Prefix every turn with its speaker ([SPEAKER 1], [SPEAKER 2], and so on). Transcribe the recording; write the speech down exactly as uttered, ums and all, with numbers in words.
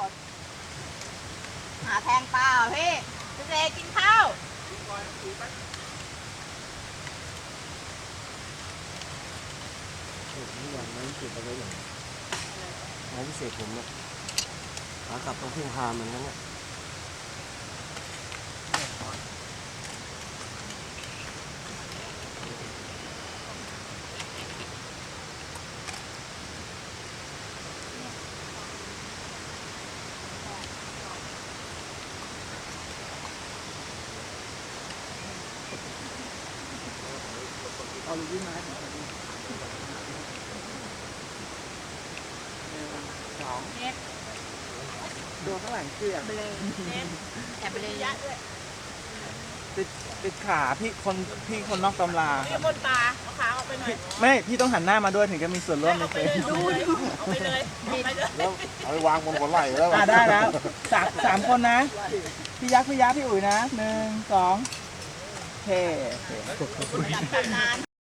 [SPEAKER 1] หาแทงเปล่าพี่เจกินข้าว
[SPEAKER 2] นี่วันนั้นเก็บเอาไว้อย่างงานพิเศษผมเนี่ยขากลับต้องพึ่งพาเหมือนกันเนี่ยเอาลูกยิ้มมาสอง
[SPEAKER 1] เน็ต
[SPEAKER 2] โดนข้างหลังเกลือ
[SPEAKER 1] เบลเน็ตแอบเบลยะด้วย
[SPEAKER 3] ติดติดขาพี่คนพี่คนนอกตำรา
[SPEAKER 1] พี่บนตาเอาขาออกไปหน่อย
[SPEAKER 3] ไม่พี่ต้องหันหน้ามาด้วยถึงจะมีส่วนร่วมใน
[SPEAKER 1] เอา
[SPEAKER 3] เฟ
[SPEAKER 1] ไป
[SPEAKER 3] ซ
[SPEAKER 1] เลยดูเอาไปเลยเอาไปเลย
[SPEAKER 2] แล้วเอาไปวางบนหัวไหล่แล้ว
[SPEAKER 3] อ่าได้แล้วสามสามคนนะ พี่ยักษ์พี่ยักษ์พี่อุ๋ยนะหนึ่งสองโอเค
[SPEAKER 1] จัดการนาน